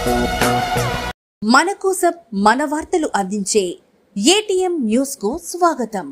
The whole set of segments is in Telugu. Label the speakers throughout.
Speaker 1: మన కోసం మన వార్తలు అందించే ఏటీఎం న్యూస్ కు స్వాగతం.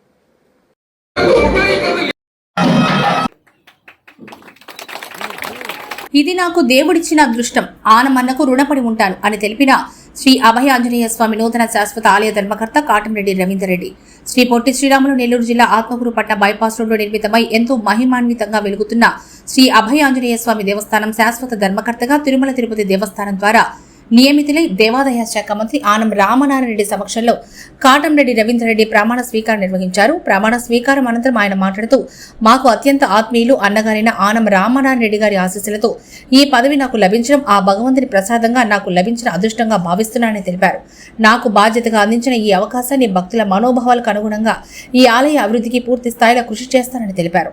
Speaker 2: ఇది నాకు దేవుడిచ్చిన అదృష్టం, ఆనమన్నకు రుణపడి ఉంటాను అని తెలిపిన శ్రీ అభయ ఆంజనేయ స్వామి నూతన శాశ్వత ఆలయ ధర్మకర్త కాటంరెడ్డి రవీందర్ రెడ్డి. శ్రీ పొట్టి శ్రీరాములు నెల్లూరు జిల్లా ఆత్మకూరు పట్టణ బైపాస్ రోడ్లో నిర్మితమై ఎంతో మహిమాన్వితంగా వెలుగుతున్న శ్రీ అభయ ఆంజనేయ స్వామి దేవస్థానం శాశ్వత ధర్మకర్తగా తిరుమల తిరుపతి దేవస్థానం ద్వారా నియమితులై దేవాదాయ శాఖ మంత్రి ఆనం రామనారాయణ రెడ్డి సమక్షంలో కాటంరెడ్డి రవీందర్ రెడ్డి ప్రమాణ స్వీకారం నిర్వహించారు. ప్రమాణ స్వీకారం అనంతరం ఆయన మాట్లాడుతూ, మాకు అత్యంత ఆత్మీయులు అన్నగారైన ఆనం రామనారాయణ రెడ్డి గారి ఆశీస్సులతో ఈ పదవి నాకు లభించడం ఆ భగవంతుని ప్రసాదంగా నాకు లభించిన అదృష్టంగా భావిస్తున్నానని తెలిపారు. నాకు బాధ్యతగా అందించిన ఈ అవకాశాన్ని భక్తుల మనోభావాలకు అనుగుణంగా ఈ ఆలయ అభివృద్ధికి పూర్తి స్థాయిలో కృషి చేస్తానని తెలిపారు.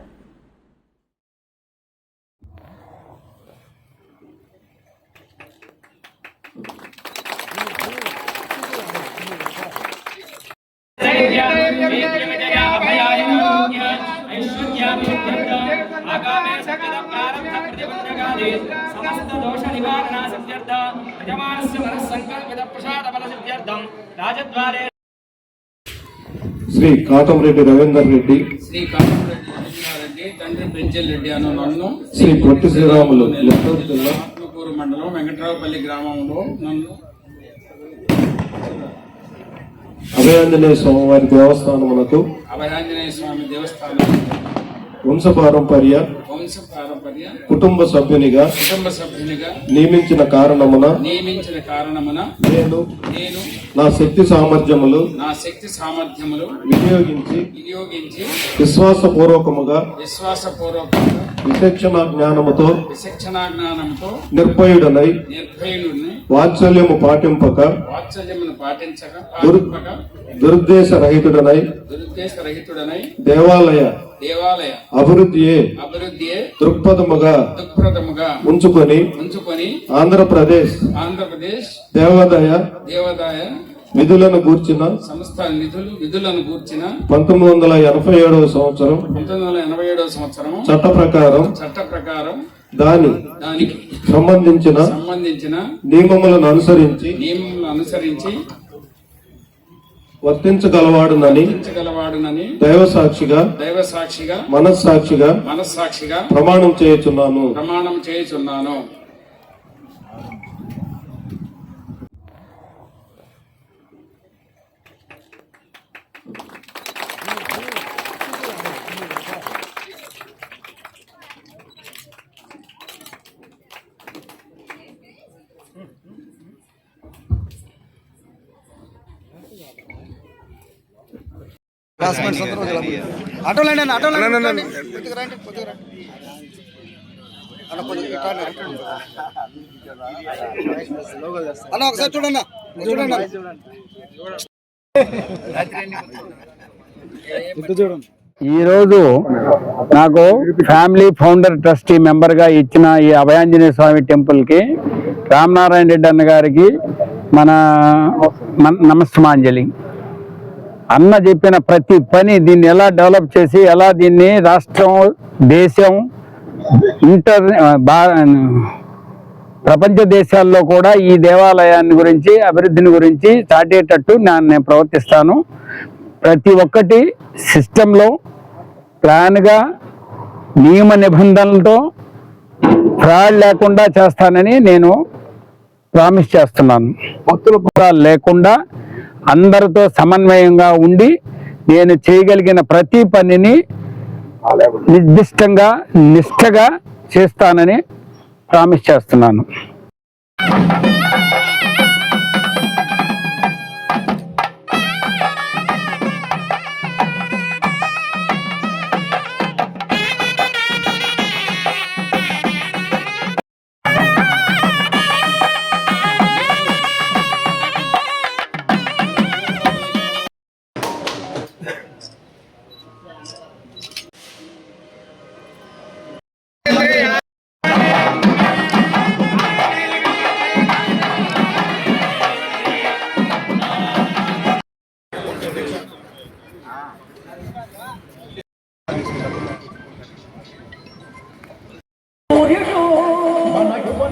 Speaker 3: శ్రీ కాటంరెడ్డి రవీందర్ రెడ్డి,
Speaker 4: తండ్రి పెంచెల్ రెడ్డి అను నన్ను
Speaker 3: శ్రీ పొట్టి శ్రీరాములు నెల్లూరు జిల్లా
Speaker 4: ఆత్మకూరు మండలం వెంకట్రావుపల్లి గ్రామంలో నన్ను
Speaker 3: అభయాంజనేయ స్వామివారి దేవస్థానమునకు
Speaker 4: అభయాంజనేయ స్వామి దేవస్థానం
Speaker 3: వంశపారంపర్య కుటుంబ సభ్యునిగా నియమించిన కారణమున నేను నా శక్తి సామర్థ్యములు వినియోగించి విశ్వాసపూర్వకముగా విచక్షణ జ్ఞానముతో నిర్భయుడనై వాత్సల్యము పాటింపక దురుద్దేశ రహితుడనై దేవాలయ అభివృద్ధియే దృక్పథముగా ఉంచుకొని ఆంధ్రప్రదేశ్ దేవాదాయ విధులను గూర్చిన 1987 సంవత్సరం చట్ట ప్రకారం దానికి సంబంధించిన నియమములను అనుసరించి వర్తించగలవాడునని దైవసాక్షిగా మనస్సాక్షిగా ప్రమాణం చేయుచున్నాను.
Speaker 5: ఒకసారి చూడండి.
Speaker 6: ఈరోజు నాకు ఫ్యామిలీ ఫౌండర్ ట్రస్టీ మెంబర్గా ఇచ్చిన ఈ అభయాంజనేయ స్వామి టెంపుల్కి రామనారాయణ రెడ్డి అన్న గారికి మన నమస్తమాంజలి. అన్న చెప్పిన ప్రతి పని దీన్ని ఎలా డెవలప్ చేసి ఎలా దీన్ని రాష్ట్రం దేశం ప్రపంచ దేశాల్లో కూడా ఈ దేవాలయాన్ని గురించి అభివృద్ధిని గురించి చాటేటట్టు నేను ప్రవర్తిస్తాను. ప్రతి ఒక్కటి సిస్టంలో ప్లాన్గా నియమ నిబంధనలతో ఫ్రాడ్ లేకుండా చేస్తానని నేను ప్రామిస్ చేస్తున్నాను. భక్తుల కూడా లేకుండా అందరితో సమన్వయంగా ఉండి నేను చేయగలిగిన ప్రతి పనిని నిర్దిష్టంగా నిష్ఠగా చేస్తానని ప్రామిస్ చేస్తున్నాను.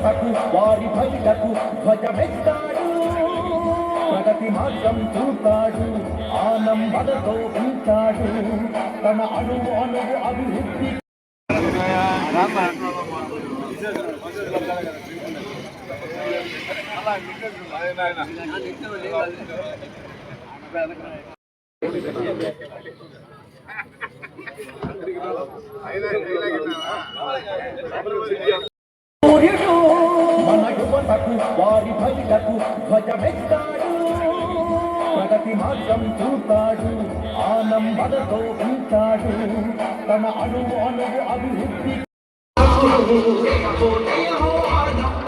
Speaker 5: యువతకు వారి బయటకు ధ్వజమెత్తాడు, ప్రగతి మార్గం చూస్తాడు, ఆనందతో ఉంటాడు, తన అణువు అణువు అభివృద్ధి సూర్యుడు మన యువతకు వారి బయటకు ధ్వజమెత్తాడు, ప్రగతి మార్గం చూస్తాడు, ఆనందతో ఉంటాడు, తన అణువు అణువు అభివృద్ధి